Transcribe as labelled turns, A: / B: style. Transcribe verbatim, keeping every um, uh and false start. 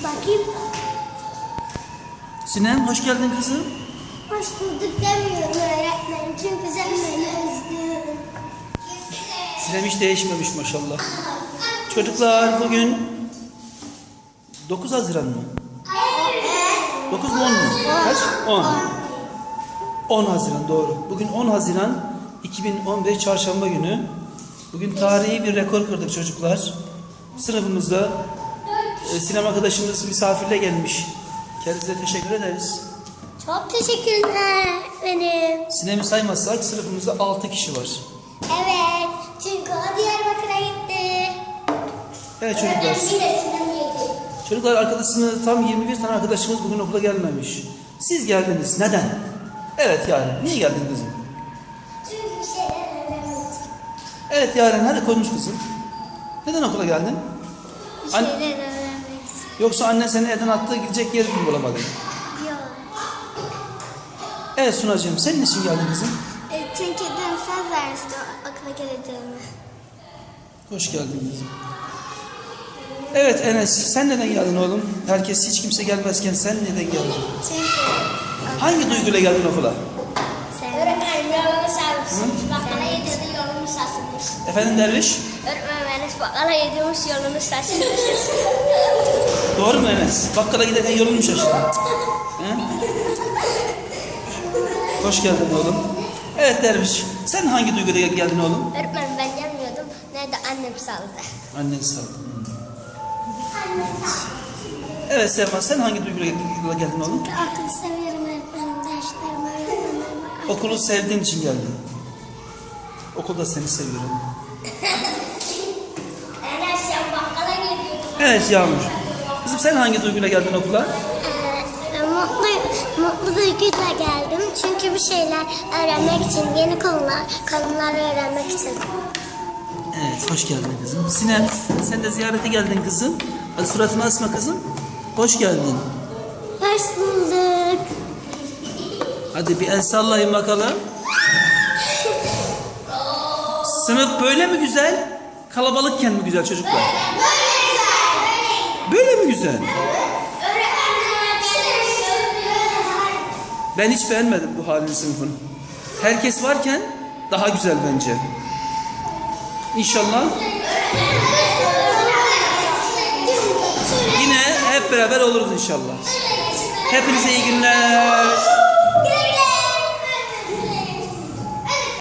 A: Bakayım.
B: Sinem hoş geldin kızım.
A: Hoş bulduk demiyorum öğretmenim. Çünkü sen beni özlüyorum.
B: Sinem hiç değişmemiş maşallah. Çocuklar bugün dokuz Haziran mı? dokuz mu on mu? Kaç? on. on Haziran doğru. Bugün on Haziran iki bin on beş Çarşamba günü. Bugün tarihi bir rekor kırdık çocuklar. Sınıfımızda e, Sinem arkadaşımız misafirle gelmiş. Kendisine teşekkür ederiz.
A: Çok teşekkürler benim.
B: Sinem'i saymazsak sınıfımızda altı kişi var.
A: Evet. Çünkü o Diyarbakır'a gitti.
B: Evet çocuklar.
A: Bir de Sinem yedi.
B: Çocuklar arkadaşımız tam yirmi bir tane arkadaşımız bugün okula gelmemiş. Siz geldiniz. Neden? Evet Yaren. Niye geldin kızım?
A: Çünkü bir şeyler öğrenmek.
B: Evet Yaren. Hadi konuş kızım. Neden okula geldin?
A: Bir
B: An-
A: şeyler öğrenmek.
B: Yoksa annen seni evden attığı gidecek yer mi bulamadın?
A: Yok.
B: Evet Sunacığım. Senin için geldin kızım.
A: E, çünkü dün söz vermişti okula geleceğimi.
B: Hoş geldin kızım. Evet Enes. Sen neden geldin oğlum? Herkes hiç kimse gelmezken sen neden geldin?
A: Çünkü
B: Hangi duyguyla geldin okula?
A: öğretmenim yolunu sarmışsınız. Bakkala yedirdi yolunu sarsılmış.
B: Efendim Derviş?
A: Öğretmenim Enes bakkala yedirmiş yolunu sarsılmış.
B: Doğru mu Enes? Bakkala giderken yolunu mu şaşırdın? He? Hoş geldin oğlum. Evet Derviş. Sen hangi duyguyla geldin oğlum?
A: Öğretmenim ben gelmiyordum. Nerede annem saldı.
B: Annen sağ ol. Evet Sema, sen hangi duyguyla geldin oğlum?
A: Okulu seviyorum öğretmenim. Derslerimi öğretmenim.
B: Okulu sevdiğin için geldin. Okulda seni seviyorum.
A: Enes sen bakkala geliyorsun.
B: Evet Yağmur. Kızım sen hangi duyguyla geldin okula?
A: Ee, mutlu, mutlu duyguyla geldim. Çünkü bir şeyler öğrenmek için, yeni konular, konular öğrenmek için.
B: Evet, hoş geldin kızım. Sinem, sen de ziyarete geldin kızım. Hadi suratını asma kızım. Hoş geldin.
A: Hoş bulduk.
B: Hadi bir el sallayın bakalım. Sınıf böyle mi güzel? Kalabalıkken mi güzel çocuklar? Böyle mi güzel? Ben hiç beğenmedim bu halini sınıfın. Herkes varken daha güzel bence. İnşallah yine hep beraber oluruz inşallah. Hepinize iyi günler.